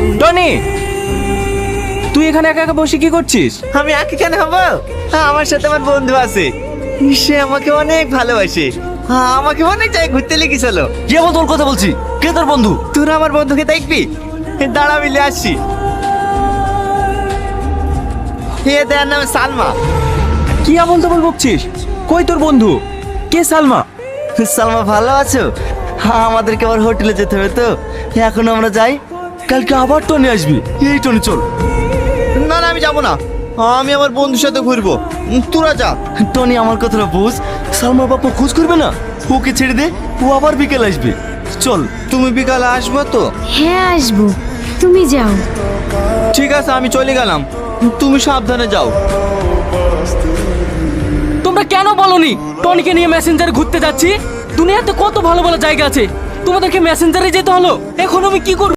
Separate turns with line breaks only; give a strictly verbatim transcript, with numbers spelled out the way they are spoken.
Tony, তুই এখানে একা একা বসে কি করছিস?
আমি একা কেন হবো? আমার সাথে আমার বন্ধু আছে, সে আমাকে অনেক ভালোবাসে। আমাকে অনেক জায়গায় ঘুরতে লেগেছিল।
কে বল তোর কথা বলছি? কে তোর বন্ধু?
তোরা আমার বন্ধুকে দেখবি? দাঁড়া, মিলে আসছি। হে, দেয়ার নাম সালমা।
কি আমল তবল বকছিস? কই তোর বন্ধু? কে সালমা?
সালমা, ভালো আছো? হ্যাঁ, আমাদেরকে আবার হোটেলে যেতে হবে তো, এখন আমরা যাই।
কালকে আবার টনি আসবি। এই টনি চল।
না না, আমি যাবো না, আমি আমার বন্ধুর সাথে ঘুরবো। তোরা যা।
টনি, আমার কথাটা বুঝ। সালমার বাবা খোঁজ করবে না, ওকে ছেড়ে দে, ও আবার বিকেল আসবে। চল।
তুমি বিকালে আসবো তো?
হ্যাঁ আসবো, তুমি যাও।
ঠিক আছে, আমি চলে গেলাম, তুমি সাবধানে যাও।
তোমরা কেন বলনি টনিকে নিয়ে মেসেঞ্জারে ঘুরতে যাচ্ছি? দুনিয়াতে কত ভালো ভালো জায়গা আছে, তোমাদেরকে মেসেঞ্জারে যেতে হলো। এখন আমি কি করব?